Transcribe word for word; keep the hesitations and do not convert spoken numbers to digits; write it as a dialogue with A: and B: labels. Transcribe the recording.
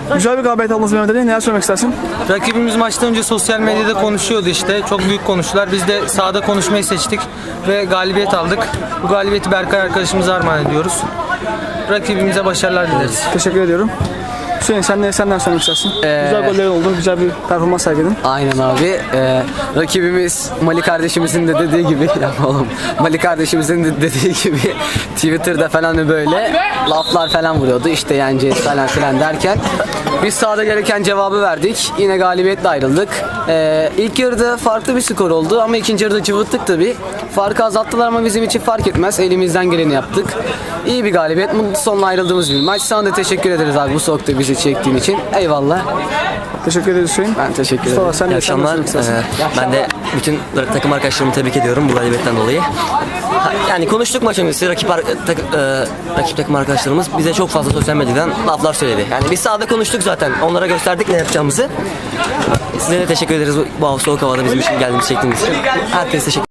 A: Güzel bir galibiyet aldınız Mehmet Ali. Neler söylemek istersin?
B: Rakibimiz maçtan önce sosyal medyada konuşuyordu işte. Çok büyük konuştular. Biz de sahada konuşmayı seçtik ve galibiyet aldık. Bu galibiyeti Berkay arkadaşımıza armağan ediyoruz. Rakibimize başarılar dileriz.
A: Teşekkür ediyorum. Hüseyin sen ne senden söylemek istersin? Güzel goller oldu. Güzel bir performans sergiledin.
C: Aynen abi. Ee, rakibimiz Mali kardeşimizin de dediği gibi ya oğlum Mali kardeşimizin de dediği gibi Twitter'da falan böyle laflar falan vuruyordu. İşte yeneceğiz falan filan derken biz sahada gereken cevabı verdik. Yine galibiyetle ayrıldık. Ee, ilk yarıda farklı bir skor oldu ama ikinci yarıda cıvıttık tabii. Farkı azalttılar ama bizim için fark etmez. Elimizden geleni yaptık. İyi bir galibiyet. Mutlu sonla ayrıldığımız bir maç. Sana da teşekkür ederiz abi bu soğukta bizi çektiğin için. Eyvallah.
A: Teşekkür ederiz Hüseyin.
C: Ben teşekkür ederim.
A: Mustafa sen
D: İyi
A: de sen de
D: akşamlar.
A: söylemek istersin.
D: Ee, ben de bütün takım arkadaşlarımı tebrik ediyorum bu galibiyetten dolayı. Ha, Yani konuştuk maç öncesi rakip, ar- tak- e, rakip takım arkadaşlarımız bize çok fazla sosyal medyadan laflar söyledi. Yani biz sahada konuştuk zaten. Onlara gösterdik ne yapacağımızı. Size de teşekkür ederiz bu, bu soğuk havada bizim için geldiğimiz çektiğiniz için. Herkese teşekkür